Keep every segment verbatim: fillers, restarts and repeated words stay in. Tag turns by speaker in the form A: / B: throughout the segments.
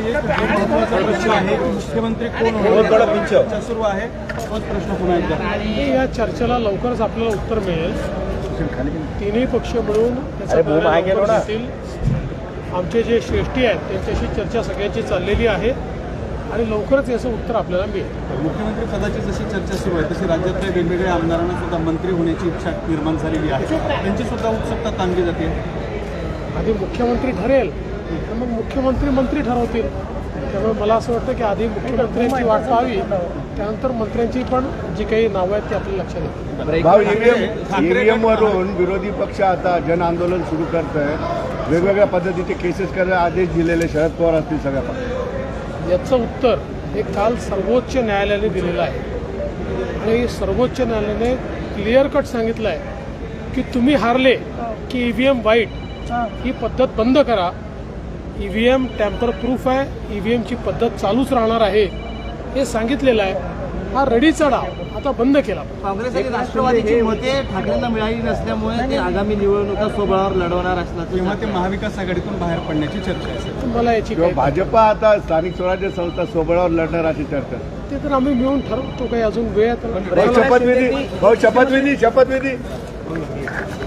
A: प्रश्न आहे मुख्यमंत्री कोण होणार चर्चा सुरू आहे तोच प्रश्न पुन्हा एकदा
B: या चर्चेला लवकरच आपल्याला उत्तर मिळेल. तिन्ही पक्ष मिळून त्याचं उत्तर देतील. आमचे जे श्रेष्ठी आहेत त्यांच्याशी चर्चा सगळ्यांची चाललेली आहे आणि लवकरच याचं उत्तर आपल्याला मिळेल.
A: मुख्यमंत्री पदाची जशी चर्चा सुरू आहे तशी राज्यातल्या वेगवेगळ्या आमदारांना सुद्धा मंत्री होण्याची इच्छा निर्माण झालेली आहे. त्यांची सुद्धा उत्सुकता ताणली जाते.
B: आधी मुख्यमंत्री ठरेल तर मग मुख्यमंत्री मंत्री ठरवतील. त्यामुळे मला असं वाटतं की आधी मुख्यमंत्र्यांची वाट पाहावी, त्यानंतर मंत्र्यांची पण जी काही नावं आहेत ती आपल्याला लक्षात येतील.
C: भाऊ, ईव्हीएम वरून विरोधी पक्ष आता जन आंदोलन सुरू करत आहे. वेगवेगळ्या पद्धतीचे केसेस करायला आदेश दिलेले शरद पवार असतील सगळ्या पक्षात.
B: याचं उत्तर हे काल सर्वोच्च न्यायालयाने दिलेलं आहे आणि सर्वोच्च न्यायालयाने क्लिअर कट सांगितलं आहे की तुम्ही हारले की ईव्हीएम वाईट ही पद्धत बंद करा. ईव्हीएम टॅम्पर प्रूफ आहे, ईव्हीएमची पद्धत चालूच राहणार आहे हे सांगितलेलं आहे. हा रडीचा डाव आता बंद केला.
D: काँग्रेस आणि राष्ट्रवादीची मते ठाकरेंना मिळाली नसल्यामुळे ते आगामी निवडणुका स्वबळावर लढवणार असल्याचं
A: किंवा ते महाविकास आघाडीतून बाहेर पडण्याची चर्चा आहे.
B: मला याची काही
C: भाजपा आता स्थानिक स्वराज्य संस्था सोबळावर लढणार अशी चर्चा.
B: ते तर आम्ही मिळून ठरवतो. काही अजून वेळ
C: भाऊ, शपथविधी भाऊ शपथविधी शपथविधी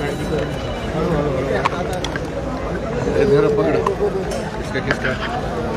E: पकड़ किसका किसका